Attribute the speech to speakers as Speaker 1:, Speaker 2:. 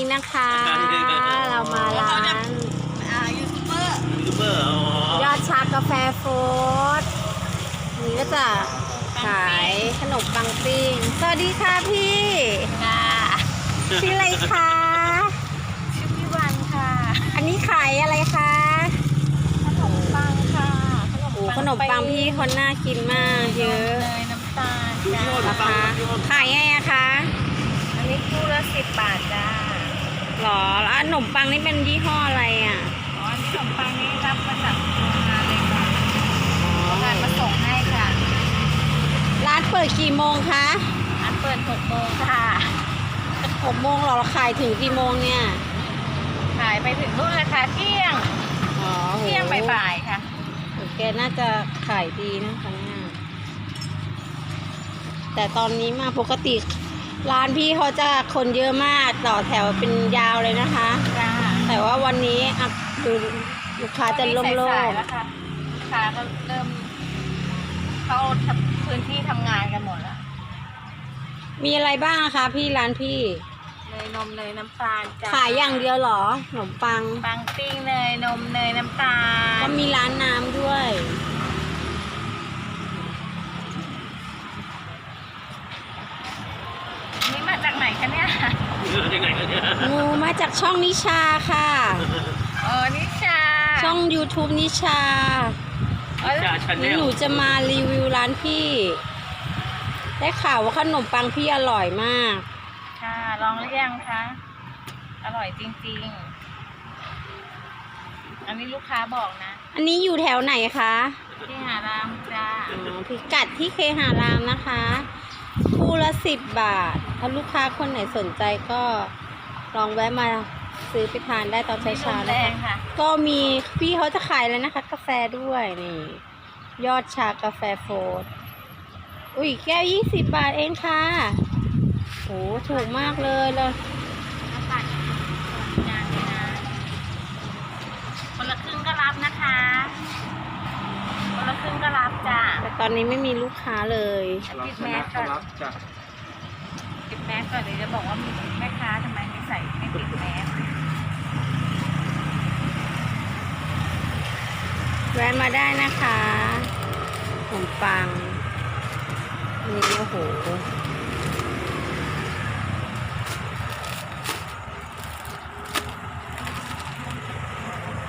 Speaker 1: นะคะ เรามาร้าน
Speaker 2: ยูทูบเบอร์
Speaker 1: ยอดชากาแฟโฟร์นี่ก็จะขายขนมปังปิ้งสวัสดีค่ะพี่
Speaker 2: ค่ะ
Speaker 1: ชื่ออะไรคะ
Speaker 2: ชื่อพี่วันค่ะ
Speaker 1: อันนี้ขายอะไรคะ
Speaker 2: ขนมปังค่ะ
Speaker 1: โอ้ขนมปังพี่คนน่ากินมากเยอะ
Speaker 2: เนยน้ำตาลจ้า
Speaker 1: ราคาขายไงอะคะ
Speaker 2: อันนี้คู่ละ10 บาทจ้า
Speaker 1: หรอแล้วขนมปังนี่เป็นยี่ห้ออะไรอ่ะ
Speaker 2: อ๋ออันนี้ขนมปังนี่รับมาจากโรงงานเลยค่ะโรงงานมาส่งให้ค่ะ
Speaker 1: ร้านเปิดกี่โมงคะ
Speaker 2: อันเปิด6 โมงค่ะ
Speaker 1: 6 โมงเหรอขายถึงกี่โมงเนี่ย
Speaker 2: ขายไปถึงนู่นเลยค่ะเที่ยง
Speaker 1: อ๋อโห
Speaker 2: เที่ยงบ่ายๆค่ะ
Speaker 1: แกน่าจะขายดีนะคะเนี่ยแต่ตอนนี้มาปกติร้านพี่เขาจะคนเยอะมากต่อแถวเป็นยาวเลยนะคะ
Speaker 2: จ้า
Speaker 1: แต่ว่าวันนี้อ่ะดูลูกค้าจะโล่ง
Speaker 2: สายๆแล้วค่ะลูกค้าก็เริ่มเข้าพื้นที่ทำงานกันหมดแล้ว
Speaker 1: ๆมีอะไรบ้างคะพี่ร้านพี่
Speaker 2: เนยนมเนยน้ำตาลจ้า
Speaker 1: ขายอย่างเดียวเหรอขนมปัง
Speaker 2: ปังปิ้งเนยนมเนยน้ำตาล
Speaker 1: ก็มีร้านน้ำด้วย
Speaker 2: นี่มาจากไหนคะเนี่ย
Speaker 1: งูมาจากช่องนิชาค่ะ
Speaker 2: อ๋อนิชา
Speaker 1: ช่อง YouTube นิชา
Speaker 2: อ๋อ
Speaker 1: นี่หนูจะมารีวิวร้านพี่ ได้ข่าวว่าขนมปังพี่อร่อยมาก
Speaker 2: ค่ะลองหรือยังคะอร่อยจริงๆ อันนี้ลูกค้าบอกนะ
Speaker 1: อันนี้อยู่แถวไหนคะ
Speaker 2: ที่หารามจ้า
Speaker 1: อ๋อพิกัดที่เคหารามนะคะคู่ละ10 บาท ถ้าลูกค้าคนไหนสนใจก็ลองแวะมาซื้อไปทานได้ตอนเช้าๆ
Speaker 2: แร
Speaker 1: นะคะ
Speaker 2: งค่ะ
Speaker 1: ก็มีพี่เขาจะขายเลยนะคะ กาแฟด้วยนี่ ยอดชากาแฟโฟร์อุ้ยแก้ว20 บาทเองค่ะโหถูกมากเลยเลย
Speaker 2: น้ำปั่นงานเลยนะคนละครึ่งก็รับนะคะ คนละครึ่งก็รับจ้า
Speaker 1: แต่ตอนนี้ไม่มีลูกค้าเลย
Speaker 2: ปิดแมสก่อนปิดแมสก่อนเดี๋ยวจะบอกว่ามีแม่ค้าทำไมไม่ใส่ไม่ปิดแมส
Speaker 1: แวะมาได้นะคะขนมปังนี่โอ้โห